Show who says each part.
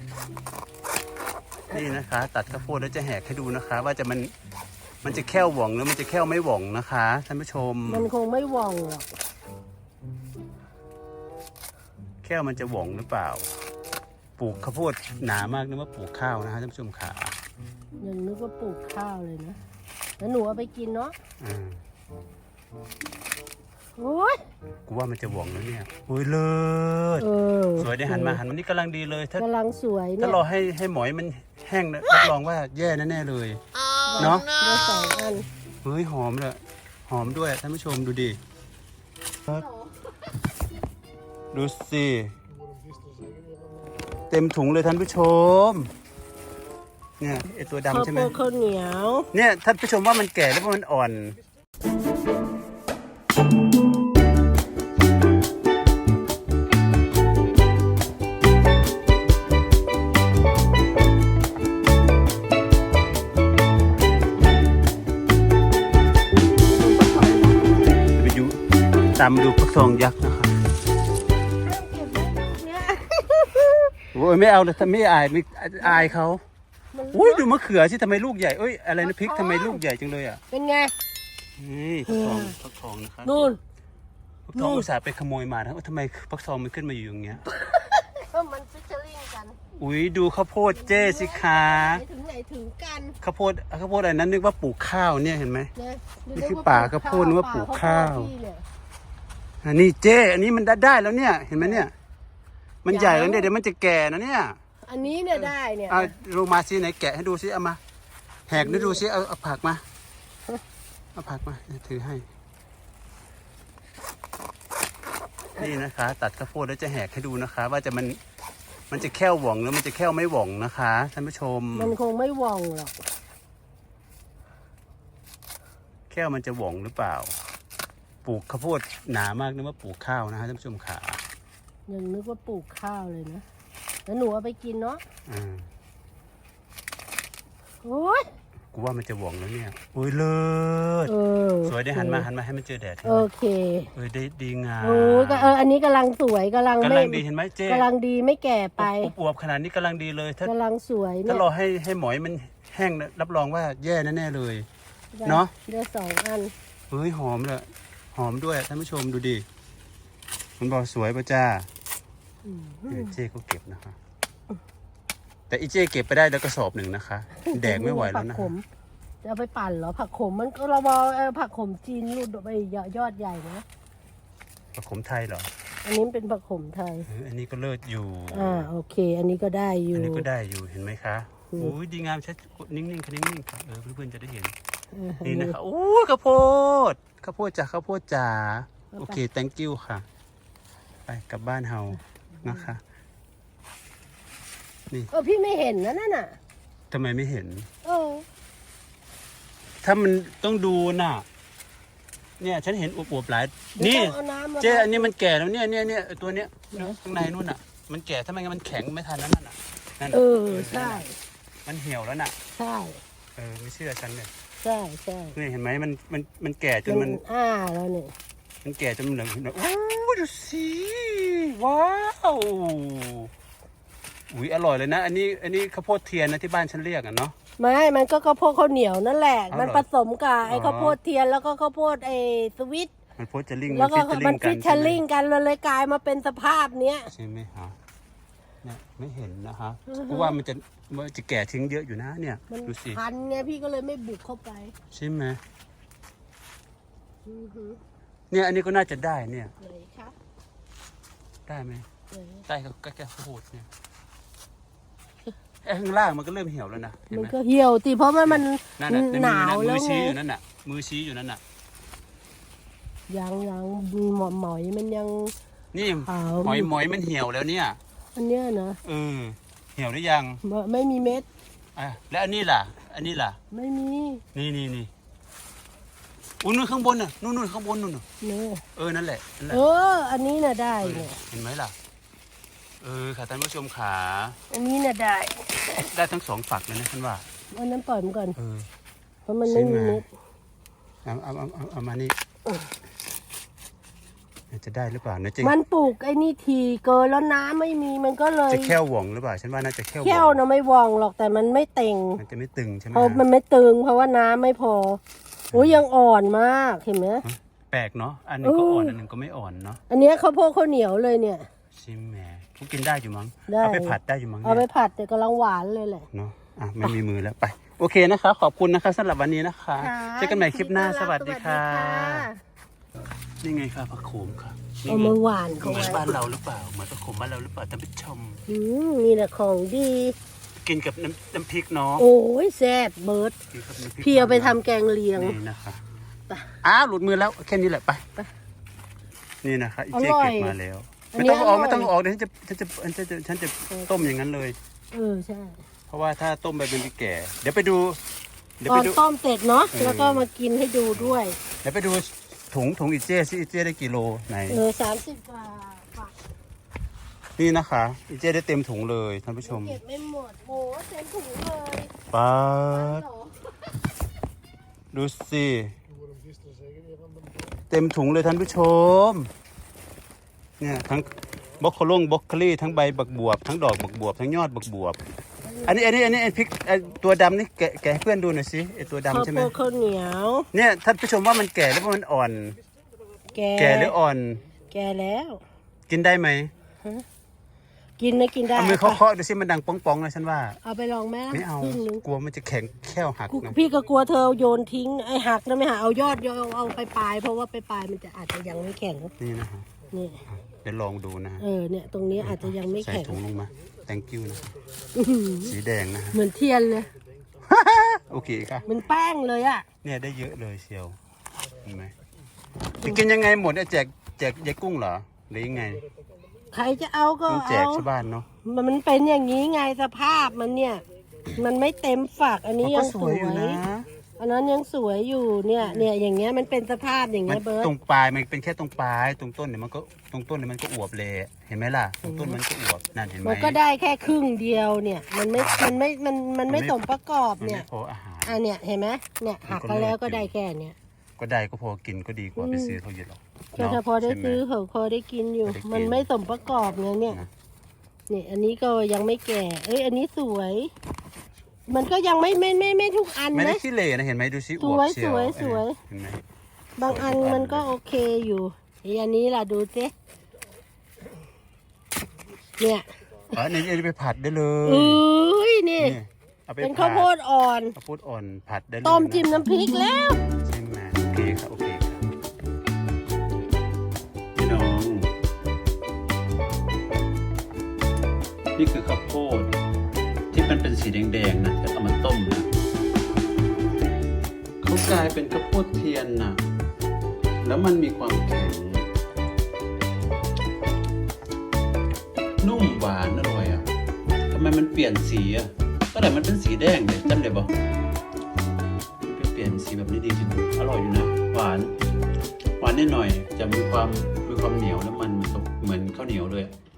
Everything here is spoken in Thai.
Speaker 1: นี่นะคะตัดข้าวโพดแล้วจะแหกให้ดูนะคะ ว่ามันจะแค่วหว่องหรือมันจะแค่ไม่หว่องนะคะท่านผู้ชม
Speaker 2: มันคงไม่หว่องหรอก
Speaker 1: แค่มันจะหว่องหรือเปล่าปลูกข้าวโพดหนามากนึกว่าปลูกข้าวนะฮะท่านผู้ชมขา
Speaker 2: ยังนึกว่าปลูกข้าวเลยนะแล้วหนูเอาไปกินเนาะโอ้ย
Speaker 1: กูว่ามันจะหว่องแล้วเนี่ยโอ้ยเลิศสวยได้หันมานี่กำลังดีเลยถ้าก
Speaker 2: ำลังสวยเนี่ย
Speaker 1: ถ้ารอให้หมอยมันแห้งรับรองว่าแย่แน่ๆเลยเนาะ
Speaker 2: ได้2 อัน
Speaker 1: เฮ้ยหอมเลยหอมด้วยท่านผู้ชมดูดิดูสิเต็มถุงเลยท่านผู้ชมเนี่ยไอตัวดำใช่ไหม
Speaker 2: ข้าวเหนียว
Speaker 1: เนี่ยท่านผู้ชมว่ามันแก่แล้วมันอ่อนตามดูฟักทองยักษ์นะครับโอ้ยไม่เอาเลยทำไม่อายเขาอุ้ยดูมะเขือสิทำไมลูกใหญ่เอ้ยอะไรนะพริกทำไมลูกใหญ่จังเลยอ่ะ
Speaker 2: เป็นไง
Speaker 1: นี่ฟักทองนะครับ
Speaker 2: นู่น
Speaker 1: ฟักทองอุตส่าห์ไปขโมยมานะทำไมฟักทองมันขึ้นมาอยู่อย่างเงี้ย
Speaker 2: มันฟิชเชอร์ลิงกัน
Speaker 1: อุ้ยดูข้าวโพดเจ้สิคะ
Speaker 2: ถึงไหนถึงกัน
Speaker 1: ข้าวโพดอะไรนั้นนึกว่าปลูกข้าวเนี่ยเห็นไหมนี่คือป่าข้าวโพดนึกว่าปลูกข้าวอันนี้เจ้อันนี้มันได้แล้วเนี่ยเห็นไหมเนี่ยมันใหญ่แล้วเนี่ยเดี๋ยวมันจะแก่นะเนี่ย
Speaker 2: อันนี้เนี่ยได้เนี่ย
Speaker 1: ลงมาซิไหนแกะให้ดูซิเอามาแหกดูซิเอาผักมาเอาผักมาถือให้นี่นะคะตัดข้าวโพดแล้วจะแหกให้ดูนะคะ ว่ามันจะแค่วหว่องหรือมันจะแค่ไม่หว่องนะคะท่านผู้ชม
Speaker 2: มันคงไม่หว่องหรอก
Speaker 1: แค่มันจะหว่องหรือเปล่าปลูกข้าวโพดหนามากนึกว่าปลูกข้าวนะฮะท่านผู้ชมขา
Speaker 2: ยังนึกว่าปลูกข้าวเลยนะแล้วหนูเอาไปกินเนาะโอ้ย
Speaker 1: กูว่ามันจะหว่องแล้วเนี่ยโอ้ยเลิศสวยได้หันมาให้มันเจอแดด
Speaker 2: โอเค
Speaker 1: ได้ดีงาม
Speaker 2: โอ้ก็อันนี้กำลังสวยกำลัง
Speaker 1: ดีเห็นไหมเจ๊
Speaker 2: กำลังดีไม่แก่ไป
Speaker 1: อวบขนาดนี้กำลังดีเลย
Speaker 2: กำลังสวย
Speaker 1: ถ้ารอให้หมอยมันแห้งรับรองว่าแย่แน่ๆเลยเนาะ
Speaker 2: ได้2 อัน
Speaker 1: เฮ้ยหอมเลยหอมด้วยท่านผู้ชมดูดิมันบอกสวยป่ะจ้าเจ๊ก็เก็บนะคะแต่อีเจ๊เก็บไปได้แล้วกระสอบหนึ่งนะคะแดกไม่ไหวแล้วนะ
Speaker 2: จะเอาไปปั่นเหรอผักขมมันก็เราบอกผักขมจีนรูดไปยอดใหญ่นะ
Speaker 1: ผักขมไทยเหรอ
Speaker 2: อันนี้เป็นผักขมไทย
Speaker 1: อันนี้ก็เลิศอยู่
Speaker 2: โอเคอันนี้ก็ได้อยู่
Speaker 1: อันนี้ก็ได้อยู่เห็นไหมคะโอ้ยดีงามชัดนิ่งๆค่ะนิ่งๆค่ะเพื่อนๆจะได้เห็นนี่นะคะโอ้ข้าวโพดจ้าข้าวโพดจ๋าโอเค thank you ค่ะไปกลับบ้านเฮานะคะนี่
Speaker 2: พี่ไม่เห็นนะนั่นน่ะ
Speaker 1: ทำไมไม่เห็นถ้ามันต้องดูน่ะเนี่ยฉันเห็นอวบๆหลายนี่เจ๊อันนี้มันแก่แล้วเนี่ยตัวเนี้ยข้างในนู่นน่ะมันแก่ถ้าไม่งั้นมันแข็งไม่ทันนั่นน่ะ
Speaker 2: ใช่
Speaker 1: มันเหี่ยวแล้วน่ะ
Speaker 2: ใช่
Speaker 1: ไม่เชื่อฉันเลย
Speaker 2: ใช่
Speaker 1: นี่เห็นไหมมันแก่จนมัน
Speaker 2: แล้วเนี่ย
Speaker 1: มันแก่จนมันเหลืองโอ้ดูสิว้าวอุ้ยอร่อยเลยนะอันนี้ข้าวโพดเทียนนะที่บ้านฉันเรียกอ่ะเนาะ
Speaker 2: ไม่มันก็ข้าวโพดข้าวเหนียวนั่นแหละมันผสมกับไอ้ข้าวโพดเทียนแล้วก็ข้าวโพดไอ้สวิต
Speaker 1: มันโพดจะลิง
Speaker 2: แล้วก็มันฟิชเชอร์ลิงกันเลยกลายมาเป็นสภาพเนี้ย
Speaker 1: ใช่ไหมฮะเนี่ยไม่เห็นนะคะเพราะว่ามันจะแก่ทิ้งเยอะอยู่นะเนี่ยดูสิ
Speaker 2: พันไงพี่ก็เลยไม่บุกเข้าไป
Speaker 1: ใช่ไหมเนี่ยอันนี้ก็น่าจะได้เนี่ยได้ไหมได้ก็แค่ข้าวโพดเนี่ยข้างล่างมันก็เริ่มเหี่ยวแล้วนะ
Speaker 2: มันก็เหี่ยวตีเพราะว่ามันหนาวแล้วไงมือ
Speaker 1: ชี้อยู่นั่นน่ะมือชี้อยู่นั่นน่ะ
Speaker 2: ยังหมอยมันยัง
Speaker 1: นี่หมอยมันเหี่ยวแล้วเนี่ย
Speaker 2: อันเนี้ยนะ
Speaker 1: เหี่ยวหรือยัง
Speaker 2: ไม่มีเม็ด
Speaker 1: แล้วอันนี้ล่ะ
Speaker 2: ไม่มี
Speaker 1: นี่อุ้ยนู่นข้างบนน่ะนู่นข้างบนนู่นนั่นแหละ
Speaker 2: อันนี้น่ะได้เนี่ย
Speaker 1: เห็นไหมล่ะค่ะท่านผู้ชมขา
Speaker 2: อันนี้น่ะ
Speaker 1: ได้ทั้ง2 ฝักเลยนะท่านว่า
Speaker 2: อันนั้นปล่อยมันก่อนเพราะมันไม่มีเม็ด
Speaker 1: เอามานี่จะได้หรือเปล่านะจะ
Speaker 2: มันปลูกไอ้นี่ทีเกินแล้วน้ำไม่มีมันก็เลย
Speaker 1: จะแค่วหว่องหรือเปล่าฉันว่าน่าจะแค่วห
Speaker 2: แค่
Speaker 1: ว่
Speaker 2: ว
Speaker 1: อง
Speaker 2: นะไม่ว่องหรอกแต่มันไม่เต่ง
Speaker 1: มันจะไม่ตึงใช่ไหม
Speaker 2: เพราะมันไม่ตึงเพราะว่าน้ำไม่พอโอ้ยยังอ่อนมากเห็นไหม
Speaker 1: แปลกเนาะอันหนึงก็อ่อนอันหนึงก็ไม่อ่อนเนาะ
Speaker 2: อันเนี้ยข้าวโพดข้าวเหนียวเลยเนี่ย
Speaker 1: ชิมแหมกูกินได้อยู่มั้ง
Speaker 2: ได้
Speaker 1: เอาไปผัดได้อยู่มั้ง
Speaker 2: เอาไป
Speaker 1: เนี่ย
Speaker 2: ผัดแต่กำลังหวานเลยแหละ
Speaker 1: เนาะอ่ะไม่มีมือแล้วไปโอเคนะคะขอบคุณนะคะสำหรับวันนี้นะคะเจอกันใหม่คลิปหน้าสวัสดีค่ะนี่ไงค่ะผักโขมค่ะนี่
Speaker 2: เอา
Speaker 1: ไง
Speaker 2: มาหวาน
Speaker 1: เห
Speaker 2: เขา
Speaker 1: มือน
Speaker 2: ไว้
Speaker 1: บ้านเราหรือเปล่าเหมือนผักโขมบ้านเราหรือเปล่าท่านผู้ชม
Speaker 2: นี่แหละของดี
Speaker 1: กินกับน้ำพริกเนาะ
Speaker 2: โอ้ยแซ่บเบิร์ด
Speaker 1: กินกับน้ำพริก
Speaker 2: พี่เอาไปทำแกงเลียง
Speaker 1: นี่นะคะ
Speaker 2: ไป
Speaker 1: อ้าวหลุดมือแล้วแค่นี้แหละไป
Speaker 2: ไป
Speaker 1: นี่นะคะอี
Speaker 2: อ
Speaker 1: เจ๊
Speaker 2: ร่อย
Speaker 1: เก็บมาแล้ว
Speaker 2: อัน
Speaker 1: ไม่
Speaker 2: นี้
Speaker 1: ต้องเอาออก
Speaker 2: อร่อย
Speaker 1: ไม่ต้องเอาออกเดี๋ยวฉันจะต้มอย่างนั้นเลย
Speaker 2: ใช่
Speaker 1: เพราะว่าถ้าต้มไปเป็นแก่ เดี๋ยวไปดู
Speaker 2: ตอนต้มเสร็จเนาะ
Speaker 1: เออ
Speaker 2: แล้วก็มากินให้ดูด้วย
Speaker 1: เดี๋ยวไปดูถุงอีเจ้สิอีเจ้ได้กี่โลไหน
Speaker 2: 30 กว่าบาท
Speaker 1: นี่นะคะอีเจ้ได้เต็มถุงเลยท่านผู้ชม
Speaker 2: เก็บไม่หมดโหเต็มถุงเลย
Speaker 1: ป๊าด
Speaker 2: เหรอ
Speaker 1: ดูสิเต็มถุงเลยท่านผู้ชมเนี่ยทั้งบล็อกโคลงบล็อกโคลี่ทั้งใบบักบวบทั้งดอกบักบวบทั้งยอดบักบวบอันนี้ไอ้พริกไอ้ตัวดำนี่แกะให้เพื่อนดูหน่อยสิไอ้ตัว
Speaker 2: ข้าว
Speaker 1: ดำใช่ไห
Speaker 2: โพ
Speaker 1: ม
Speaker 2: ดข้าวเหนียว
Speaker 1: เนี่ยท่านผู้ชมว่ามันแก่หรือว่ามันอ่อน แก่หรืออ่อน
Speaker 2: แก่แล้ว
Speaker 1: กินได้ไหม
Speaker 2: กินนะกินได้
Speaker 1: เอามือเคาะๆดูสิมันดังป้องๆนะฉันว่า
Speaker 2: เอาไปลองไหมล่ะ
Speaker 1: ไม่เอา
Speaker 2: ครึ่งนึง
Speaker 1: กลัวมันจะแข็งแค่วหักนะ
Speaker 2: พี่ก็กลัวเธอโยนทิ้งไอ้หักนะไม่หาเอายอดเอาไปปลายเพราะว่าไปปลายมันจะอาจจะยังไม่แข็ง
Speaker 1: นี่นะฮะ
Speaker 2: นี่
Speaker 1: เดี๋ยวลองดูนะฮะ
Speaker 2: เนี่ยตรงนี้อาจจะยังไม่
Speaker 1: ใส่
Speaker 2: แข็ง
Speaker 1: ถุงลงมา thank you นะ
Speaker 2: อื้อหือ
Speaker 1: สีแดงนะฮะ
Speaker 2: เหมือนเทียนเลย
Speaker 1: โอเคค่ะ
Speaker 2: เหมันแป้งเลยอ่ะ
Speaker 1: เนี่ยได้เยอะเลยเชียวเห็นไหมจะกินยังไงหมดเนี่ยแจกยายกุ้งเหรอหรือยังไง
Speaker 2: ใครจะเอาก็
Speaker 1: ต้องแจก
Speaker 2: เอา
Speaker 1: ชาวบ้านเนาะ
Speaker 2: มันเป็นอย่างนี้ไงสภาพมันเนี่ย มันไม่เต็มฝักอันนี้
Speaker 1: มัน
Speaker 2: ยั
Speaker 1: ก็
Speaker 2: ง
Speaker 1: ส
Speaker 2: ส
Speaker 1: ว
Speaker 2: วย ย
Speaker 1: อยู่นะ
Speaker 2: อันนั้นยังสวยอยู่เนี่ยอย่างเงี้ยมันเป็นสภาพอย่าง
Speaker 1: มั
Speaker 2: เงี้
Speaker 1: น
Speaker 2: ยเบิร์ต
Speaker 1: ตรงปลายมันเป็นแค่ตรงปลายตรงต้นเนี่ยมันก็ตรงต้นเนี่ยมันก็อวบเลยเห็นไหมล่ะตรงต้นมันก็อวบนั่นเห็นไหม
Speaker 2: มันก็ได้แค่ครึ่งเดียวเนี่ย มันไม่สมประกอบ
Speaker 1: มัน
Speaker 2: เนี่
Speaker 1: ไม่
Speaker 2: ย
Speaker 1: พออาหาร
Speaker 2: อันเนี้ยเห็นไหมเนี่ยหัก
Speaker 1: มันก็
Speaker 2: กันแล้ว
Speaker 1: เลิก
Speaker 2: ก็
Speaker 1: อยู่
Speaker 2: ได้แค่เนี้ย
Speaker 1: ก็ได้ก็พอกินก็ดีกว่าไปซื้อเขาเยอะหรอก
Speaker 2: ก็ถ้าพอได้
Speaker 1: ใช่หม
Speaker 2: ซื้อเขาพอได้กินอยู่
Speaker 1: พอได้กิน
Speaker 2: มันไม่สมประกอบไงเนี่ย
Speaker 1: นะ
Speaker 2: นี่อันนี้ก็ยังไม่แก่ อันนี้สวย มันก็ยังไม่ทุกอัน
Speaker 1: ไม่ได้
Speaker 2: นะ
Speaker 1: ขี้เหร่นะเห็นไหมดูสิอ
Speaker 2: ส
Speaker 1: ว
Speaker 2: ว
Speaker 1: บ
Speaker 2: ย
Speaker 1: เชียว
Speaker 2: สวย
Speaker 1: เห็นไหม
Speaker 2: บางอันมันก็โอเคอยู่อันนี้ล่ะดูสิเนี่ย
Speaker 1: อ๋อนี่เอาไปผัดได้เลย
Speaker 2: อุ้ยนี่
Speaker 1: นี่เอาไป
Speaker 2: เป็น
Speaker 1: ผั
Speaker 2: ข้าวโพดอ่อน
Speaker 1: ข้าวโพดอ่อนผัดได้เลย
Speaker 2: ต้ม
Speaker 1: นะ
Speaker 2: จิ้มน้ำพริกแล้ว
Speaker 1: ใช่ไหมโอเคครับโอเคครับพี่น้องนี่คือข้าวโพดที่มันเป็นสีแดงๆนะแต่เอามาต้มนะเขากลายเป็นข้าวโพดเทียนนะแล้วมันมีความแข็งนุ่มหวานอร่อยอ่ะทำไมมันเปลี่ยนสีอ่ะก็แต่มันเป็นสีแดงเลยจำได้ปะมันไปเปลี่ยนสีแบบนี้ดีจริงอร่อยอยู่นะหวานนิดหน่อยจะมีความเหนียวแล้วมันเหมือนข้าวเหนียวเลยอะ